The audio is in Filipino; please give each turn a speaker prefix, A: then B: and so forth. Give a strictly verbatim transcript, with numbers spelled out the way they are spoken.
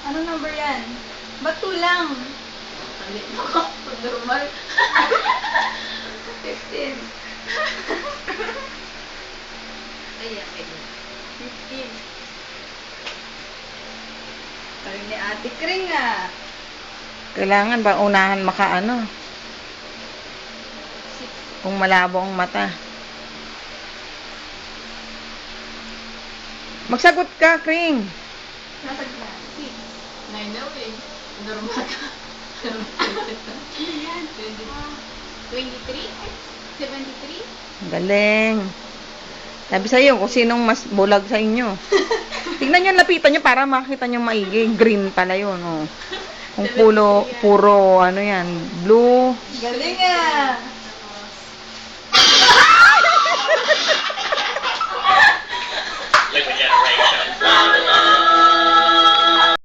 A: Ano number yan? Ba't two lang?
B: Normal.
A: fifteen.
B: Ay, akin.
A: fifteen. Sabi ni Ate Kring ah.
C: Kailangan ba unahan makaano? Kung malabo ang mata. Magsagot ka, Kring.
A: Nasa gla. six.
B: Nine na eh. Normal ka. twenty-three? seventy-three?
C: Galing. Sabi sa'yo, kung sinong mas bulag sa inyo. Tingnan nyo, lapitan nyo para makita nyo maigi. Green pala yun, oh. Kung pulo, puro, ano yan, blue.
A: Galing ah.
D: Liquid generation.